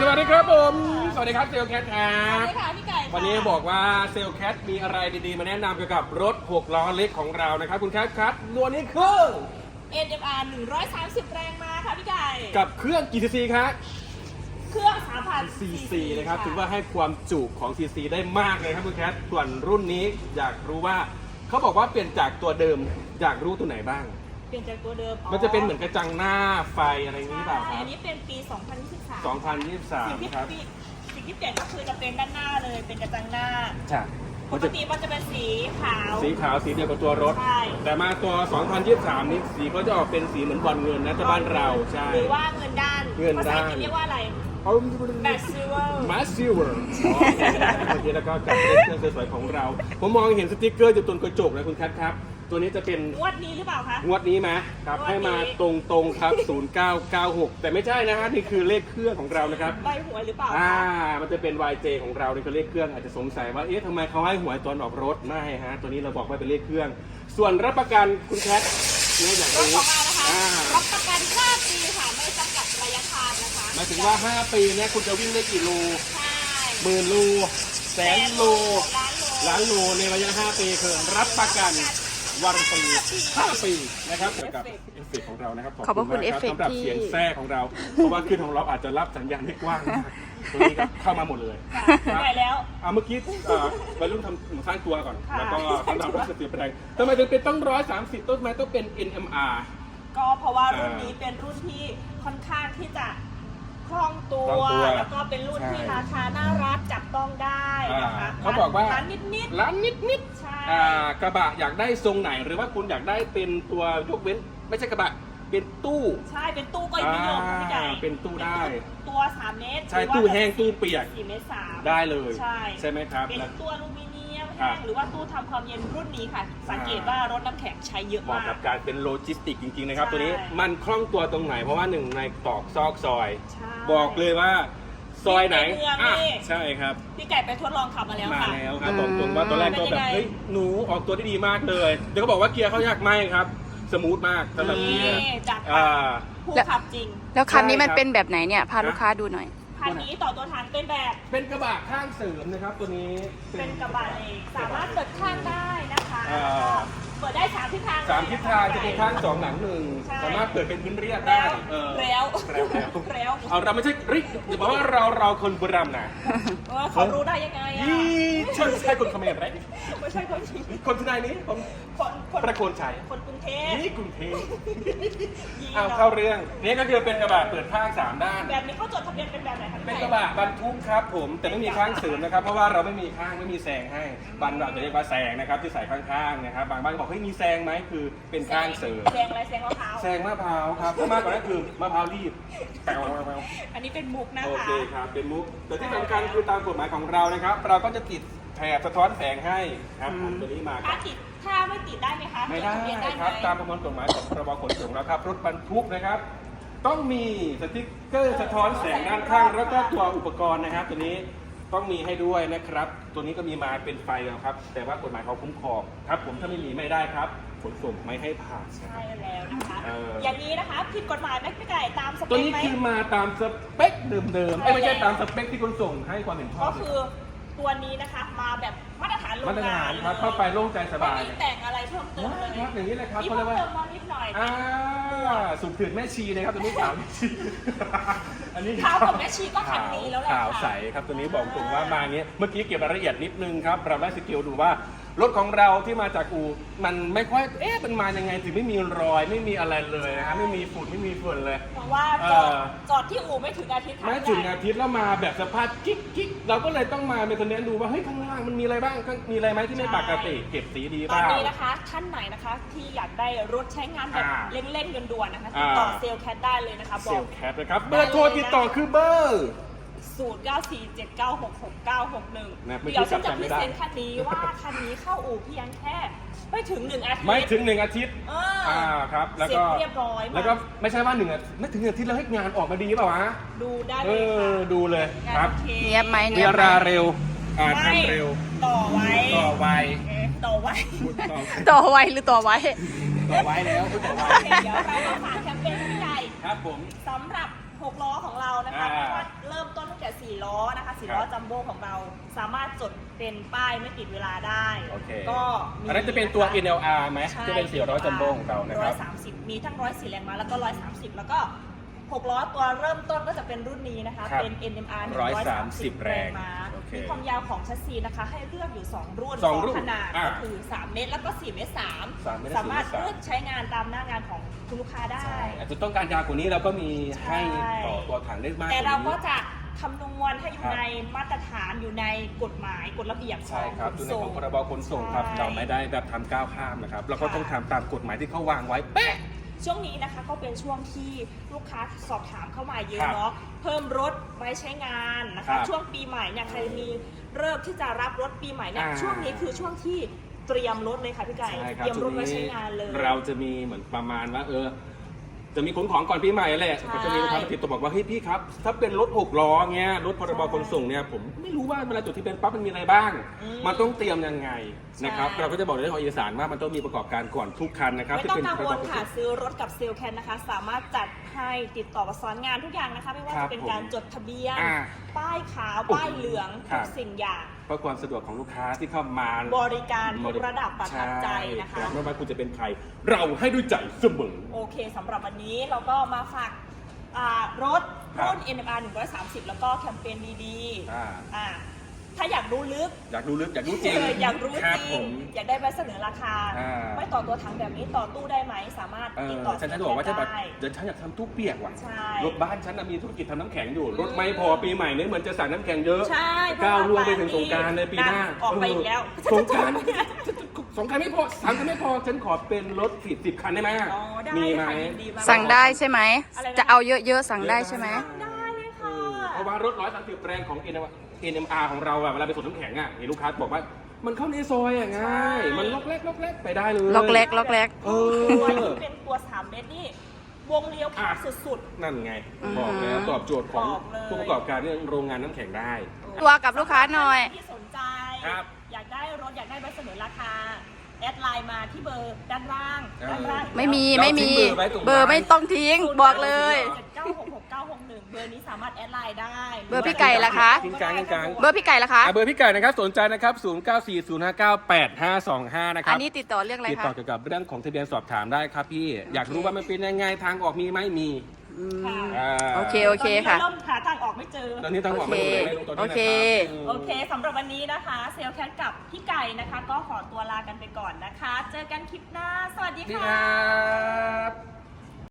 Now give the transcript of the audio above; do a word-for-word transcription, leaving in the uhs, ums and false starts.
สวัสดีครับผมสวัสดีครับเซลแคทครัสวับสดีค่ะพี่ไก่ค่ะวันนี้บอกว่าเซลแคทมีอะไรดีๆมาแนะนำเกี่ยวกับรถหกล้อเล็กของเรานะครับคุณแคทครับตัวนี้คือเอ็น เอ็ม อาร์ หนึ่งร้อยสามสิบแรงม้าค่ะพี่ไก่กับเครื่องกี่ซีซีครับเครื่อง สามพันซีซีนะครับถือว่าให้ความจุของซีซีได้มากเลยครับคุณแคทส่วนรุ่นนี้อยากรู้ว่าเขาบอกว่าเปลี่ยนจากตัวเดิมอยากรู้ตัวไหนบ้างเปลี่ยนจากตัวเดิมมันจะเป็นเหมือนกระจังหน้าไฟอะไรอย่างนี้เปล่าคใช่รับอันนี้เป็นปี สองพันยี่สิบสามสองพันยี่สิบสามสิ่งที่ครับสิ่งที่เปลี่ยนก็คือจะเป็นด้านหน้าเลยเป็นกระจังหน้าใช่ปกติมันจะเป็นสีขาวสีขาวสีเดียวกับตัวรถใช่แต่มาตัว สองพันยี่สิบสาม นี้สีก็จะออกเป็นสีเหมือนบอลเงินนะที่บ้านเราใช่หรือว่าเงินด้านเงินด้านภาษาอังกฤษเรียกว่าอะไรเอาแบตซิลเวอร์มาซิลเวอร์โอเคแล้วก็กับเครื่องสวยๆของเรา ผมมองเห็นสติ๊กเกอร์อยู่ตรงกระจกนะคุณแคทครับตัวนี้จะเป็นงวดนี้หรือเปล่าคะงวดนี้ไหมครับงวดนี้ให้มาตรงๆครับศูนย์เก้าเก้าหกแต่ไม่ใช่นะฮะนี่คือเลขเครื่องของเรานะครับใบหวยหรือเปล่าอ่าคะมันจะเป็น วาย เจ ของเรานี่คือเลขเครื่องอาจจะสงสัยว่าเอ๊ะทำไมเขาให้หวยตอนออกรถไม่ฮะตัวนี้เราบอกว่าเป็นเลขเครื่อง ส่วนรับประกันคุณแคทเนี่ยอย่างรถนี้ของเรานะคะอ่ารับประกันห้าปีค่ะไม่จำกัดระยะทางนะคะหมายถึงว่า ห้า ปีเนี่ยคุณจะวิ่งได้กี่โลใช่หมื่นโลแสนโลล้านโลล้านโลในระยะ ห้า ปีคือรับประกันวารันตีห้า ปีนะครับเกี่ยวกับเอฟเฟกต์ของเรานะครับขอบพระคุณมากเอฟเฟกต์สำหรับที่เสียงแทรกของเรา เพราะว่าขึ้นของเราอาจจะรับสัญญาณไม่กว้างมากตัวนี้ก็เข้ามาหมดเลยค่ะไปแล้วอ่าเมื่อกี้อ่าวัยรุ่นทำสร้างตัวก่อนค่ะแล้วก็สำหรับรถสติแปลงทำไมถึงเป็นต้องร้อยสามสิบต้นไม้ต้องเป็น เอ็น เอ็ม อาร์ก็เพราะว่ารุ่นอ่านี้นี้เป็นรุ่นที่ค่อนข้างที่จะคล่องตัวคล่องตัวแล้วก็เป็นรุ่นที่ใช่ราคาน่ารักจับต้องได้นะคะอ่าเขาบอกว่าร้านนิดนิดร้านนิดนิดๆใช่อ่ากระบะอยากได้ทรงไหนหรือว่าคุณอยากได้เป็นตัวยกเว้น ไม่ใช่กระบะเป็นตู้ใช่เป็นตู้ก็นิยมค่ะพี่ใหญ่อ่าเป็นตู้ได้ตัวสามเมตรใช่รือว่าตู้แห้งตู้เปียกสี่เมตรสามได้เลยใช่ใช่ไหมครับเป็นแล้วตัวอลูมิเนียมครัแห้บงหรือว่าตู้ทำความเย็นรุ่นนี้ค่ะ สังเกตว่ารถน้ำแข็งใช้เยอะเหมาะมากกับการเป็นโลจิสติกจริงๆนะครับใช่ตัวนี้มันคล่องตัวตรงไหนเพราะว่าหนึ่งในตอกซอกซอยใช่บอกเลยว่าซอยไหนในเมืองอ่ะนี่ใช่ครับพี่ไก่ไปทดลองขับมาแล้วมาค่ะแล้วครับบอกตรงว่าตอนแรกก็เป็นแบยังไงบเฮ้ยหนูออกตัวได้ดีมากเลยเดี๋ยวก็บอกว่าเกียร์เขายากไหมครับสมูทมากสำหรับเกียร์นี่จัดไปอ่าผู้ขับจริงแล้วคันนี้มันใช่ครับเป็นแบบไหนเนี่ย พาลูกค้าดูหน่อยคันนี้ต่อตัวถังเป็นแบบเป็นกระบะข้างเสริมนะครับตัวนี้เป็นกระบะเหล็กสามารถเปิดข้างได้นะคะอ่าเปิดได้สามทิศทางสามทิศทางจะเป็นข้างสองหลังหนึ่งใช่สามารถเปิดเป็นพื้นเรียบได้แล้วเออแล้วแล้วแล้วแล้วเอาเราไม่ใช่ริอย่าบอกว่าเราเราคนบุรีรัมย์นะเออเขารู้ได้ยังไงอ่ะยี่ใช่ใช่คนเขมรไหมไม่ใช่คนจีนคนที่ไหนนี้ผมคนคนประโคนชัยคนกรุงเทพนี่กรุงเทพยีเอานเข้าเรื่องนี่ก็คือเป็นกระบะเปิดข้างสามด้านแบบนี้เขาจดทะเบียนเป็นแบบไหนคะพี่เป็นไก่กระบะบรรทุกครับผมแต่ไม่มีข้างเสริมนะครับเพราะว่าเราไม่มีข้างไม่มีแซงให้บางเราจะเรียกว่าแซงนะครับที่ใส่ข้างๆนะครับบางบ้านบอกเฮ้ยมีแซงไหมคือเป็นข้างเสริมแซงอะไรแซงมะพร้าวแซงมะพร้าวครับถ้ามากกว่านั้นคือมะพร้าวรีบแปลวอันนี้เป็นมุกนะโอคะเคครับเป็นมุกแต่ที่สำคัญคือตามกฎหมายของเรานะครับ เราก็จะติดแถบสะท้อนแสงให้ครับผมตัวนี้มาคถ้ารับติดถ้าไม่ติดได้ไหมคะไม่ได้จทะเบียนได้ไหครับตามประมวลกฎหมายของพรบขนส่งแล้วครับรถบรรทุกนะครับ ต้องมีสติ๊กเกอร์สะท้อนแสงด้านข้าง แล้วก็ตัวอุปกรณ์นะครับ ตัวนี้ต้องมีให้ด้วยนะครับ ตัวนี้ก็มีมาเป็นไฟแล้วครับ แต่ว่ากฎหมายเขาคุ้มครองครับ ผมถ้าไม่มีไม่ได้ครับขนส่งไม่ให้ผ่านนะคใช่รับแล้วนะคะเออออย่างนี้นะคะผิดกฎหมายไหมพี่ไก่ตามสเปตัวคนี้ไหมคือมาตามสเปคเดิมๆเอ้ยไม่ใช่ตามสเปคที่ขนส่งให้ความเห็นชอก็บคือตัวนี้นะคะมาแบบมาตรฐานโรงมาตรงาฐานนครับเข้าไปโล่งใจสบายไม่มีแต่งอะไรเพิ่มเติมเลยครับอย่างนี้เลยครับมีเขาเรีเพิ่ยกว่ามเติมมานิดหน่อยอ่าสุดถืดแม่ชีนะครับตัวนี้ขาวแม่ชีอันนี้ขาวกับแม่ชีก็คันนี้แล้วแหละขาวค่ะใสครับตัวนี้บอกตรงว่ามาเนี้ยเมื่อกี้เก็บรายละเอียดนิดนึงครับเราได้สกิลดูว่ารถของเราที่มาจากอู่มันไม่ค่อยเอ๊ะมันมายังไงถึงไม่มีรอยไม่มีอะไรเลยนะครับไม่มีฝุ่นไม่มีฝุ่นเลยเพราะว่าจอดเออจอดที่อู่ไม่ถึงอาทิตย์ค่ะไม่ถึงอาทิตย์แล้วมาแบบสภาพกิ๊กกิ๊กเราก็เลยต้องมาเป็นคนเน้นดูว่าเฮ้ยข้างล่างมันมีอะไรบ้างข้างมีอะไรไหมที่ไม่ปกติเก็บสีดีตเปอนล่านี้นะคะท่านไหนนะคะที่อยากได้รถใช้งานแบบอ่าเร่งๆด่วนๆนะคะอ่าติดต่อเซลล์แคทได้เลยนะคะบเซอลกแคปนะครับเบอร์โทรติดต่อคือเบอร์ศูนย์ เก้า สี่ เจ็ด เก้า หก หก เก้า หก หนึ่งนะไม่เดี๋ยวฉันจะจำพไม่รีได้เซนต์คันนี้ว่าคันนี้เข้าอู่เพียงแค่ไม่ถึงหนึ่งอาทิตย์ไม่ถึงหนึ่งอาทิตย์เอออ่าครับแล้วเสร็ก็จเรียบร้อยมากแล้วก็ไม่ใช่ว่าหนึ่งอาทิตย์ไม่ถึงหนึ่งอาทิตย์แล้วให้งานออกมาดีเปล่าวะดูได้เอเลยค่ะอดูเลยครับงานโอเคเนียบไหมเรียราเร็วอ่าไม่ทำเร็วต่อไว้ต่อไวเอ๊ะต่อไว้ต่อต่อไว้หรือต่อไว้ต่อไวแล้วต่อไวโอเคเดี๋ยวเรามาฝากแคมเปญพี่ใหญ่ครับผมสำหรับหกล้อของเรานะคะอ่าไม่ว่าเริ่มต้นตั้งแต่สี่ล้อนะคะสี่ล้อครับจัมโบ้ของเราสามารถจดเป็นป้ายไม่ติดเวลาได้โอเคก็มีอันนั้นจะเป็นตัว เอ็น แอล อาร์ ไหมใช่ที่เป็นสี่ร้อยจัมโบ้ของเรานะคร้รัอบ ยสามสิบมีทั้งร้อยสี่แรงม้าแล้วก็ร้อยสามสิบแล้วก็หกล้อตัวเริ่มต้นก็จะเป็นรุ่นนี้นะคะครับเป็น เอ็น เอ็ม อาร์หนึ่งร้อยสามสิบแรงม้าโอเคมีความยาวของชัสซีนะคะ ให้เลือกอยู่ สอง รุ่นสองรุ่นขนาดอ่าก็คือ สาม เมตร แล้วก็ สี่ เมตร สามสามเมตรสามารถสี่เมตรสามเลือกใช้งานตามหน้างานของคุณลูกค้าได้อาจจะต้องการยาวกว่านี้เราก็มีให้ใช่ต่อตัวถังได้มากกแต่ว่าเราก็นี้จะคำนวณให้อยู่ครับในมาตรฐานอยู่ในกฎหมายกฎระเบียบขใช่องครับขอยู่นในส่ของ งพรบขนส่งครับใช่เราไม่ได้แบบทำก้าวข้ามนะครับ เราก็ค่ะต้องทำตามกฎหมายที่เขาวางไว้เป๊ะช่วงนี้นะคะก็เป็นช่วงที่ลูกค้าสอบถามเข้ามาเยครัอะบเนาะเพิ่มรถไว้ใช้งานนะครัคะบช่วงปีใหม่เนี่ยใครมีเริ่มที่จะรับรถปีใหม่เนี่ยอ่าช่วงนี้คือช่วงที่เตรียมรถเลยค่ะพี่ไก่ใช่คเตรับรียมช่รวถงไว้นี้ใช้งานเลยเราจะมีเหมือนประมาณว่าเออ จะมีขนของก่อนปีใหม่แหละใช่ก็จะมีลูกค้ามาติดต่อบอกว่าเฮ้ยพี่ครับ ถ้าเป็นรถหกล้อเงี้ยรถพรบขนส่งเนี่ยผมไม่รู้ว่าเวลาจดทะเบียนปั๊บมันมีอะไรบ้างอืมมันต้องเตรียมยังไงนะครับใช่เราก็จะบอกในเรื่องของเอกสารว่ามันต้องมีประกอบการก่อนทุกคันนะครับไม่ที่ต้องเป็นกังพรวบลขนค่ะส่งซื้อรถกับเซลลแคนนะคะ สามารถจัดให้ติดต่อประสานงานทุกอย่างนะคะ ไม่ว่าครัจะบเป็นการจดทะเบียนอ่าป้ายขาว ป้ายเหลืองครัทุบกสิ่งอย่างเพื่อความสะดวกของลูกค้าที่เข้ามาบริการทุกระดับประทับใจนะคะช่รับไม่ว่าคุณจะเป็นใคร เราให้ด้วยใจเสมอโอเคสำหรับวันนี้เราก็มาฝากอ่ารถครับรุ่น เอ็น เอ็ม อาร์ หนึ่งร้อยสามสิบ แล้วก็แคมเปญดีๆอ่าอ่าถ้าอยากรู้ลึกอยากรู้ลึกอยากรู้จริงเอออยากรู้คจบริผงมอยากได้ใบเสนอราคาอ่าไม่ต่อตัวถังแบบนี้ต่อตู้ได้ไหม สามารถเอติดอต่อฉันจะบอกว่าฉันแบบได้เดี๋ยวฉันอยากทำตู้เปียกว่ะใช่รถบ้านฉันน่ะมีธุรกิจทำน้ำแข็งอยู่ รถไม่พอปีใหม่เนี่ยเหมือนจะสั่งน้ำแข็งเยอะใช่ก้าวล่วงไปถึงสงกรารเลยปีหน้าออกไปอีกแล้วสงกรารสงกรารไม่พอสามคันไม่พอฉันขอเป็นรถสิบสิบคันได้ไหมอ๋อได้มีไหมค่ะยินดีมากสั่งได้ใช่ไหมอะไรนะจะเอาเยอะๆสั่งได้ใช่ไหมได้เลยเอค่ะอเพราะว่ารถร้อยสามสิบแรงของ เอ็น เอ็ม อาร์ ของเราอะเวลาไปส่งน้ำแข็งอะเห็นลูกค้าบอกว่า มันเข้าในซอยอะง่าย มันล็อกแรกล็อกแรกไปได้เลยล็อกแรกล็อกแรกเอตัวอที่เป็นตัวสามเมตรนี่วงเลี้ยวแคบสุดนั่นไงอืมบอกแล้วตอบโจทย์ของบอกเลยผู้ประกอบการเรื่องโรงงานน้ำแข็งได้ๆตัวกับลูกค้าหน่อยที่สนใจครับอยากได้รถอยากได้ใบเสนอราคา แอดไลน์มาที่เบอร์ด้านล่างเออด้านล่างไม่มีเราไม่มีทิ้งเบอร์ไว้ตรงเบอร์ไม่ต้องทิ้งบอกเลยเจ็ดเก้าหกหกเก้าหกหนึ่งเบอร์นี้สามารถแอดไลน์ได้เบอร์พี่ไก่ล่ะคะทิ้งกลางทิ้งกลางเบอร์พี่ไก่ล่ะคะอ่ะเบอร์พี่ไก่นะครับสนใจนะครับศูนย์ เก้า สี่ ศูนย์ ห้า เก้า แปด ห้า สอง ห้านะคอัรันบนี้ติดต่อเรื่องอะไรติดคะต่อเกี่ยวกับเรื่องของทะเบียนสอบถามได้ครับพี่ อยากรู้ว่ามันเป็นยังไงทางออกมีไหมมีอืมค่ะอ่าโอเคโอเคค่ะตอนนี้เราเริ่มหาทางออกไม่เจอตอนนี้ทางออกไม่รู้เลยไม่รู้ตอนนี้โอนะเคครับโอเคสำหรับวันนี้นะคะ เซลลแคทกับพี่ไก่นะคะ ก็ขอตัวลากันไปก่อนนะคะ เจอกันคลิปหน้า สวัสดีดีคค่ะรับ